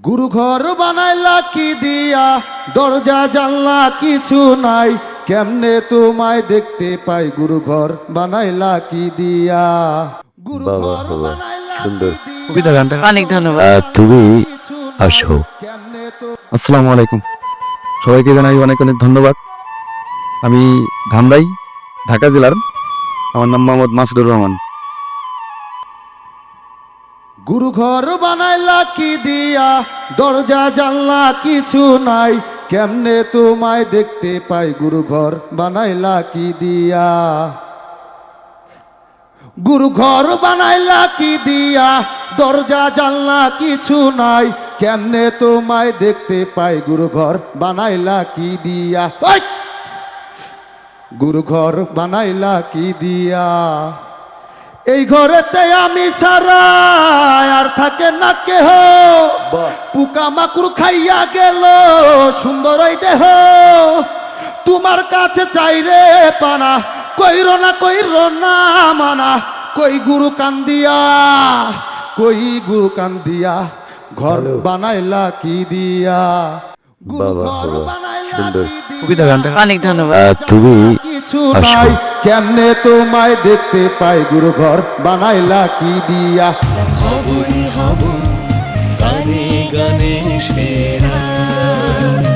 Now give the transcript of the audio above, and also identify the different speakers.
Speaker 1: গুরু ঘর বানাইলা কি দিয়া, দরজা জানলা কিছু নাই, কেমনে তোমায় দেখতে পাই গুরু ঘর বানাইলা কি দিয়া। গুরু
Speaker 2: বাবা
Speaker 1: ঘর
Speaker 2: বাবা
Speaker 1: বানাইলা
Speaker 2: সুন্দর
Speaker 1: কি দিয়া,
Speaker 3: কবিতা গানটা অনেক ধন্যবাদ।
Speaker 2: তুমি
Speaker 1: কিছু
Speaker 2: আসো।
Speaker 1: কেমনে তো।
Speaker 3: আসসালামু আলাইকুম, সবাইকে জানাই অনেক অনেক ধন্যবাদ। আমি ধামরাই, ঢাকা জেলার। আমার নাম মোহাম্মদ মাসুদুর রহমান।
Speaker 1: গুরু ঘর বানাইলা কি দিয়া, দরজা জানলা কিছু নাই, কেমনে তোমায় দেখতে পাই গুরু ঘর বানাইলা কি দিয়া। গুরু ঘর বানাইলা কি দিয়া, দরজা জানলা কিছু নাই, কেমনে তোমায় দেখতে পাই গুরু ঘর বানাইলা কি দিয়া। ওই! গুরু ঘর বানাইলা কি দিয়া। এই ঘরেতে আমি ছাড়া আর থাকে না কেহ, পোকা মাকুর খাইয়া গেল সুন্দর ওই দেহ। তোমার কাছে চাইরে পানা, কইর না মানা, কই গুরু কান্দিয়া, কই গুরু কান্দিয়া, ঘর বানাইলা কি দিয়া। গুরু
Speaker 2: বাবা
Speaker 1: ঘর
Speaker 2: বাবা
Speaker 1: বানাইলা
Speaker 2: সুন্দর
Speaker 1: কি দিয়া,
Speaker 3: কবিতা গানটা অনেক ধন্যবাদ।
Speaker 2: তুমি
Speaker 1: কিছু
Speaker 2: আসো।
Speaker 1: নাই, কেমনে তোমায় দেখতে পাই গুরু ঘর বানাইলা কি দিয়া।
Speaker 4: হবই হব গানে গানে সেরা।